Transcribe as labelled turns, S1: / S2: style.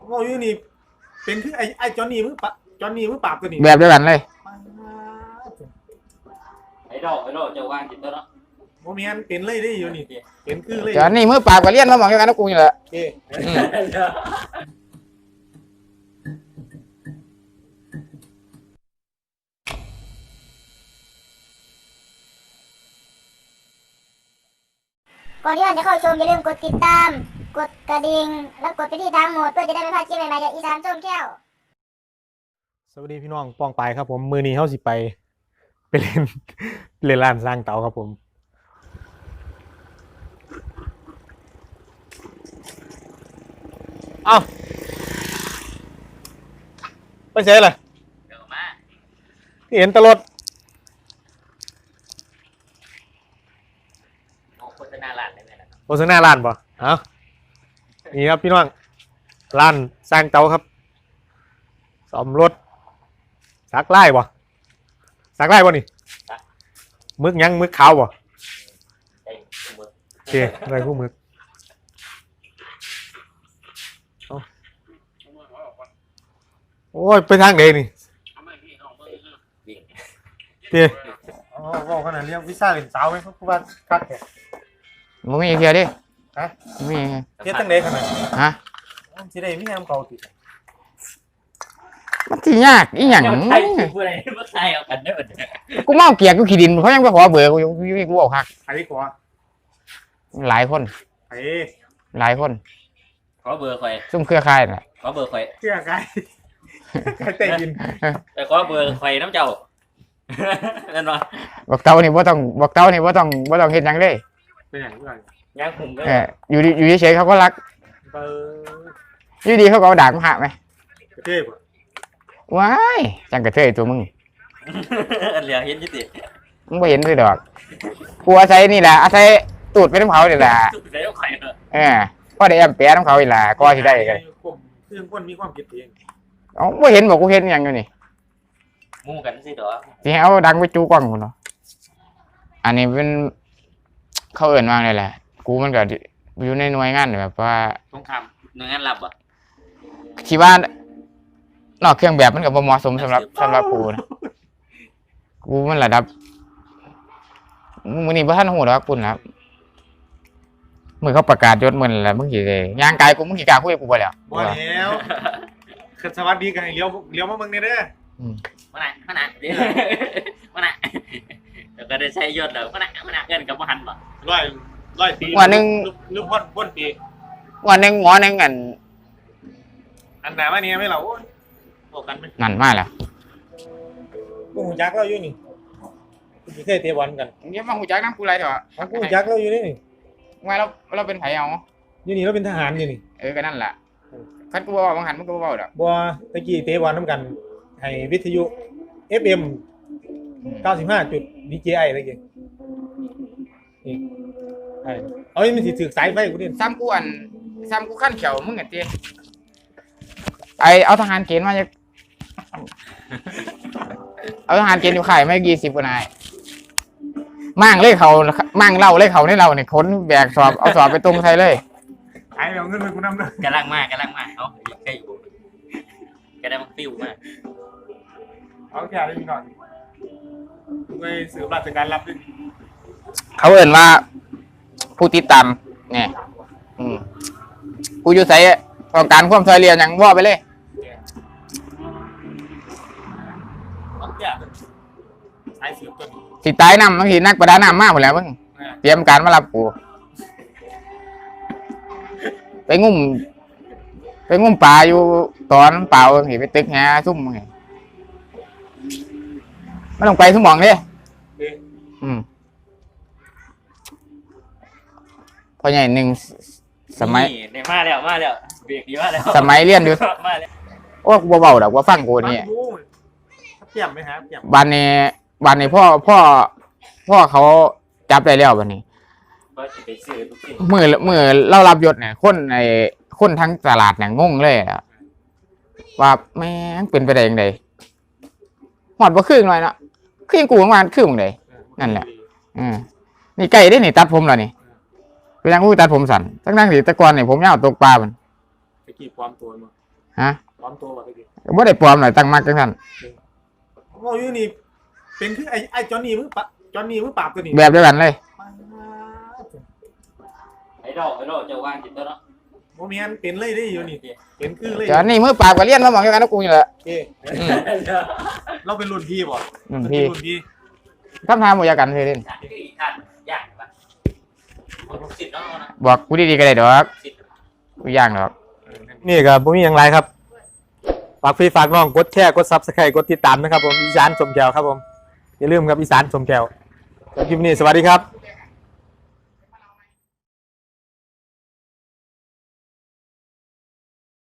S1: ว่าอยู่นี่เป็นคือไอ้จอนนี่มือปะจอนนี่มือปราบตัวนี้
S2: แบบเดียวกันเลย
S3: ไอ้ดอกเจ้าว่างจิตตัวเนาะ
S1: โมเมนเป็นเลยได้อยู่นี่เป็นคือเลย
S2: จอนนี่มือปราบกับเลี้ยนมาหมองเดียวกันนะกูนี่แหละ
S4: ก่อนที่จะเข้าชมอย่าลืมกดติดตามกดกระดิ่งแล้วกดไปที่ทางโหมดเพื่อจะได้ไม่พลาดคลิปใหม่ๆจากอีสานส้มแก้ว
S1: สวัสดีพี่น้องปองไปครับผมมือนี้เขาสิไปเล่นร้านสร้างเตาครับผมเอ้าไปเสียเลย
S3: เดี๋ยวมา
S1: เห็นตลอด
S3: โฆษณาร้านได้ไหมล่ะ
S1: โฆษณาร้านป่ะเอ้านี่ครับพี่น้องร้านสร้างเตาครับซ่อมรถสักไล่ป่ะสักไล่ป่ะนี่มึกยังมึกขาวป่ะโอเคอะไรพวกมึกโอ้ยไปทางไหนนี่เจ๊อ๋อบอกขนาดเรียกวิซ่าเป็นสาวไหมครับคุณบ้านคัดแขก
S2: มึงมีเพียดิ
S1: ฮะ
S2: มี
S1: เจ๊ตั้งไหนขนาด
S2: ฮะ
S1: สิได้มีแอมเก่าติด
S2: มันที่ยากอีหยัง
S3: ไทยผู้ใดผู้ไทยเอากันได้หมด
S2: กูเมาเกียกกูขี้ดินเขายังไปขอเบอร์กูบอกคัก
S1: ใครกว่า
S2: หลายคน
S1: ใคร
S2: หลายคน
S3: ขอเบอร์ใคร
S2: ซุ่มเครือข่ายน่ะ
S3: ขอเบอร์ใคร
S1: เชื่อใครใครเตะยิน
S3: แต่ขอเบอร์ใครน้ำเจ้านั่นวะ
S2: บอกเต้านี่บ่ต้องเฮ็ดหยังเลย
S1: เป็นอย่างไร
S3: ยังผมก็
S2: อยู่เฉยๆเขาก็รักอยู่ดีเขาก็เอาด่ามาหาไหม
S1: กระเทยป่ะ
S2: ว้ายจังกระเทยตัวมึง
S3: เหลือเห็นยี่สิ
S2: มึงไม่เห็นด้วยดอกกูอาศัยนี่แหละอาศัยตูดไปน้ำเขานี่แหละพ่อได้แอมเปียน้ำเขาอีกแหละก็ที่ได้กัน
S1: คือคนมีความคิดเอง
S2: อ๋อไม่เห็นบอกกูเห็นอย่างอยู่นี่
S3: มู่กันสิเด้อ
S2: ที่เอาดังไปจูกล้องกูเนาะอันนี้เป็นเขาเอิ่นว่างเลยแหละกูมันก็อยู่ในหน่วยงานแบบว่า
S3: ต้องทำหน่วยงานรับอ่ะ
S2: คิดว่านอกเครื่องแบบมันก็บ่เหมาะสมสำหรับกูนะกูมันระดับมึงนี่บ่ทันหูหรอกปุ่นครับมึงเขาประกาศยศมึงแหละมึงสิได้ย่างกายกูมึงสิกล้าคุยกับกูบ่แล้ว
S1: บ่แล้วคือสวัสดีกันให้เลี้ยวมาเบิ่งนี่เด้อ
S3: มาไหนเดี๋ยวมาไหนแล้วก็ได้ใช้ยศแล้วมาไหนเงินกับบ่หันบ่
S1: 100 ปี
S2: วันนึง
S1: หรือพ้นปี
S2: วันนึงหมอนึง
S1: อันไหนมาเนี่ยไม่เหรอบอกกันไหม
S2: นั่นมาแล้ว
S1: กูหูจักเราอยู่นี่กูเคยเตะบอลกัน
S2: เดี๋ยวมาหูจักน้ำกูไรเถอะ
S1: กูหูจักเราอยู่นี่
S2: ว่าเราเป็นไผเอา
S1: อยู่นี่เราเป็นทหารอยู่นี่
S2: ก็นั่นแหละคันกูบอกบางหันมึงก็บอกดอก
S1: บัวตะกี้เตะบอลน้ำกันให้วิทยุ FM 95 จุด DJI อะไรเงี้ยนี่เอาไม่สิถือสายไฟกูดิ
S2: ซ้ำกูขั้นเขียวมึงเตี้ยเอาทหารเกณฑ์มาจะเอาทหารเกณฑ์อยู่ข่ายไม่20กว่านายมั่งเล่เขามั่งเล่าเล่เขาในเราเนี่ยค้นแบกสอบเอาสอบไปตรงไทยเลย
S1: ไอ้เราเงินไปกูนำเลย
S3: กำลังมากเขาแค่อยู่ก็ได้มันฟิวมาก
S1: เอาแค่ได้มีหน่อยไปสืบราชการรับดิ
S2: เขาเอ่นว่าผู้ติดตามเนี่ยกูอยู่ใส่ต้องการความช่วยเหลืออย่างว่าไปเลยสิตายน้ำบางทีนักประดาน้ำมากหมดแล้วมึงเตรียมการมารับกูไปงุ่มปลาอยู่ตอนเปล่าเห็นไปตึกแง่ซุ่มไงไม่ต้องไปทุ่มมองเลยพอใหญ่หนึ่งสมัย
S3: มาแล้วเบรกดีมาแล้ว
S2: สมัยเรียนอยู่โอ้กูเบาๆดอกว่าฟังกูนี่
S1: เปี่ยมไหมครับ
S2: บ้านนี้พ่อเขาจับได้แล้ววันนี้เมื่อเรารับยศเนี่ยคนทั้งตลาดเนี่ยงงเลยว่าแม่งเป็นไปได้ยังไงหอดบ่ครึ่งหน่อยนะครึ่งกูประมาณครึ่งเลยนั่นแหละนี่ไก่ได้นี่ตัดผมแล้วนี่เป็นยังกูตัดผมสั่นตั้งที่ตะกอนเนี่ยผมยาวตกปลามัน
S1: ตะกี้ความตัวมั้ง
S2: ฮะ
S1: ปลอมตัวมาไปดิ
S2: บ่ได้ปลอมหน่อยตั้งมักจังซั่น
S1: โอ้ยนี่เป็นคือไอ้จอนนี่มือปะจอนนี่มือปราบตัวนี้
S2: แบบเดียวกันเลย
S3: ไอ้ดอกเจ้าว่างจิตตัวเนาะ
S1: โมเมนเป็นเลยได้อยู่นี่เป็นคือเลย
S2: จอนนี่มือปราบก็เรียนมาหมองเดียวกันกับกูนี่แหละ
S1: เอ๊ะเราเป็นรุ่นพี่บ่
S2: พี่
S1: รุ่นพี่
S2: คำถามบ่อยากกันเลยเด่น
S3: ท่านยากปะผมสิทธิ์น้องนะ
S2: บอกกูดีๆก็ได้ดอก
S3: สิทธิ์
S2: กูย่างดอก
S1: นี่ก็บ่มีอย่างไรครับฝากพี่ฝากน้องกดแชร์กด Subscribe กดติดตามนะครับผมอีสานสมแก้วครับผมอย่าลืมครับอีสานสมแก้วสำหรับคลิปนี้สวัสดีครับ